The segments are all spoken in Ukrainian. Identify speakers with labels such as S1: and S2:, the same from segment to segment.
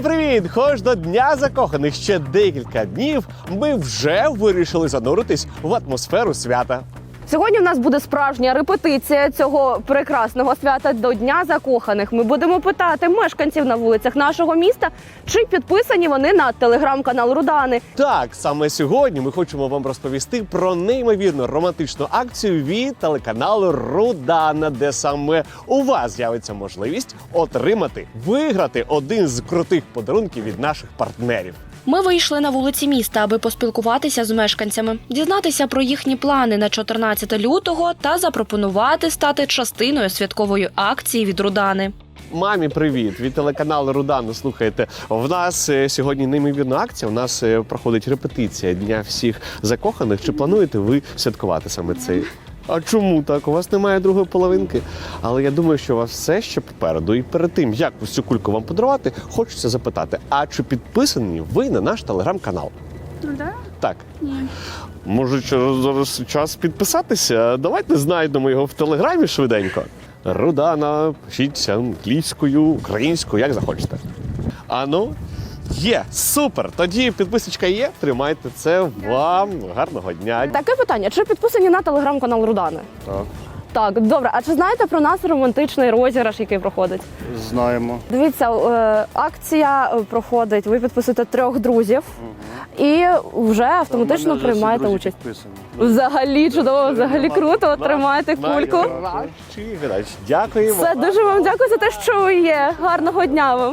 S1: Привіт! Хоч до Дня закоханих ще декілька днів, ми вже вирішили зануритись в атмосферу свята.
S2: Сьогодні в нас буде справжня репетиція цього прекрасного свята до Дня закоханих. Ми будемо питати мешканців на вулицях нашого міста, чи підписані вони на телеграм-канал Рудани.
S1: Так, саме сьогодні ми хочемо вам розповісти про неймовірно романтичну акцію від телеканалу Рудана, де саме у вас з'явиться можливість виграти один з крутих подарунків від наших партнерів.
S3: Ми вийшли на вулиці міста, аби поспілкуватися з мешканцями, дізнатися про їхні плани на 14 лютого та запропонувати стати частиною святкової акції від Рудани.
S1: Мамі, привіт! Від телеканалу Рудана. Слухайте, в нас сьогодні неймовірна акція, у нас проходить репетиція Дня всіх закоханих. Чи плануєте ви святкувати саме цей? А чому так? У вас немає другої половинки. Але я думаю, що у вас все ще попереду. І перед тим, як ось цю кульку вам подарувати, хочеться запитати, а чи підписані ви на наш телеграм-канал?
S4: Да?
S1: Так.
S4: Ні.
S1: Може, зараз час підписатися? Давайте знайдемо його в телеграмі швиденько. Рудана, пишіться англійською, українською, як захочете. Ану, є, супер! Тоді підписочка є, тримайте це вам. Гарного дня.
S2: Таке питання, чи підписані на телеграм-канал Рудани?
S1: Так.
S2: Так, добре. А чи знаєте про нас романтичний розіграш, який проходить?
S5: Знаємо.
S2: Дивіться, акція проходить, ви підписуєте 3 друзів і вже автоматично приймаєте участь. Взагалі чудово, взагалі круто, тримаєте кульку.
S1: Дякуємо.
S2: Все, дуже вам дякую за те, що ви є. Гарного дня вам.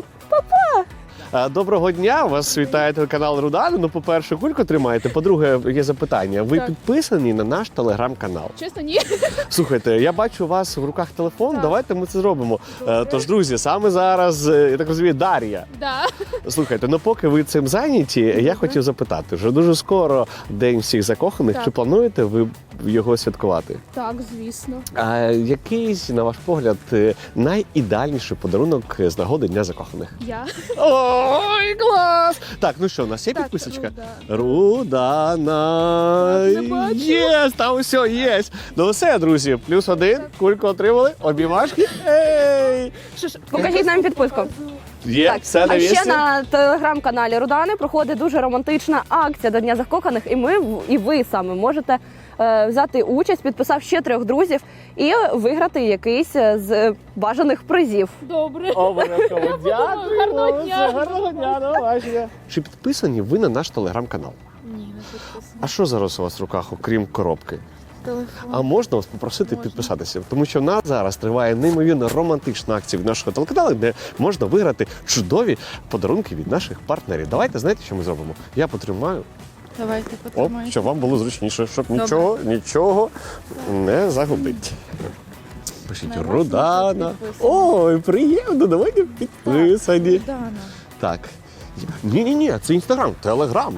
S1: Доброго дня, вас вітає телеканал Рудана. Ну, по-перше, кульку тримаєте. По-друге, є запитання. Ви підписані на наш телеграм-канал?
S4: Чесно, ні.
S1: Слухайте, я бачу у вас в руках телефон, давайте ми це зробимо. Тож, друзі, саме зараз, я так розумію, Дар'я.
S4: Да.
S1: Слухайте, ну поки ви цим зайняті, я хотів запитати, вже дуже скоро День всіх закоханих,
S4: Так.
S1: чи плануєте ви його святкувати?
S4: Так, звісно.
S1: А який, на ваш погляд, найідеальніший подарунок з нагоди Дня закоханих?
S4: Я.
S1: Ой, клас! Так, ну що, у нас є
S4: Так,
S1: підписочка?
S4: Рудана.
S1: Рудана.
S4: Так, не бачу.
S1: Єс, там все, є. Ну все, друзі, +1, кульку отримали, обіймашки. Ей!
S2: Покажіть нам підписку.
S1: Є, все на
S2: А ще
S1: місці.
S2: на телеграм-каналі Рудани проходить дуже романтична акція до Дня закоханих, і ви саме можете взяти участь, підписав ще 3 друзів і виграти якийсь з бажаних призів.
S4: Добре.
S1: Обов'язково. Дякую.
S4: Гарного дня.
S1: Гарного дня, до побачення. Чи підписані ви на наш телеграм-канал?
S4: Ні, не підписано.
S1: А що зараз у вас в руках, окрім коробки?
S4: Телефон.
S1: А можна вас попросити підписатися? Тому що в нас зараз триває неймовірно романтична акція від нашого телеканалу, де можна виграти чудові подарунки від наших партнерів. Давайте, знаєте, що ми зробимо? Я потримаю,
S4: Давайте
S1: оп,
S4: потримаємо.
S1: щоб вам було зручніше, щоб
S4: Добре.
S1: нічого не загубити. Пишіть
S4: На вас
S1: Рудана.
S4: можна підписано.
S1: Ой, приємно, давайте підписані.
S4: Рудана.
S1: Так. Ні, це Інстаграм, Телеграм.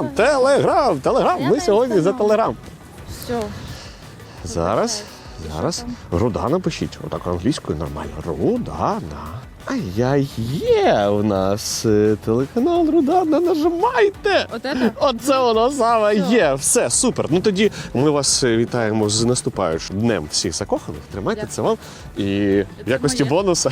S1: Ми сьогодні за Телеграм.
S4: Все.
S1: Зараз. Рудана пишіть. Отак англійською нормально. Рудана. Є у нас телеканал Рудана. Нажимайте. Оце воно саме є. Все, супер. Ну тоді ми вас вітаємо з наступаючим Днем всіх закоханих. Тримайте це вам. І в якості бонуса.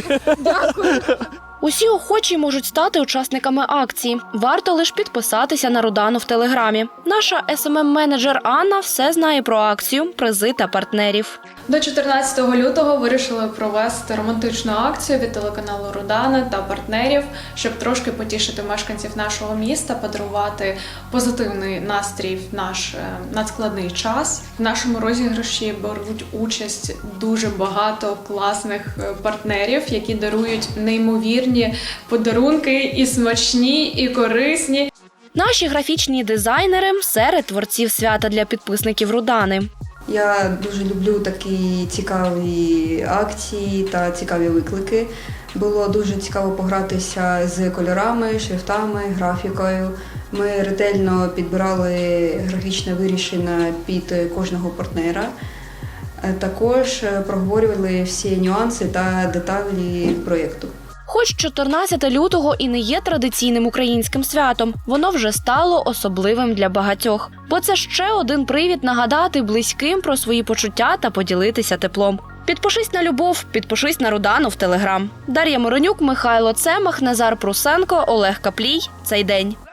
S3: Усі охочі можуть стати учасниками акції. Варто лише підписатися на Рудану в Телеграмі. Наша СММ-менеджер Анна все знає про акцію, призи та партнерів.
S6: До 14 лютого вирішили провести романтичну акцію від телеканалу Рудана та партнерів, щоб трошки потішити мешканців нашого міста, подарувати позитивний настрій в наш надскладний час. В нашому розіграші беруть участь дуже багато класних партнерів, які дарують неймовірні подарунки і смачні, і корисні.
S3: Наші графічні дизайнери серед творців свята для підписників Рудани.
S7: Я дуже люблю такі цікаві акції та цікаві виклики. Було дуже цікаво погратися з кольорами, шрифтами, графікою. Ми ретельно підбирали графічне вирішення під кожного партнера. Також проговорювали всі нюанси та деталі проєкту.
S3: Хоч 14 лютого і не є традиційним українським святом, воно вже стало особливим для багатьох. Бо це ще один привід нагадати близьким про свої почуття та поділитися теплом. Підпишись на любов, підпишись на Рудану в Телеграм. Дар'я Моронюк, Михайло Цемах, Назар Прусенко, Олег Каплій. Цей день.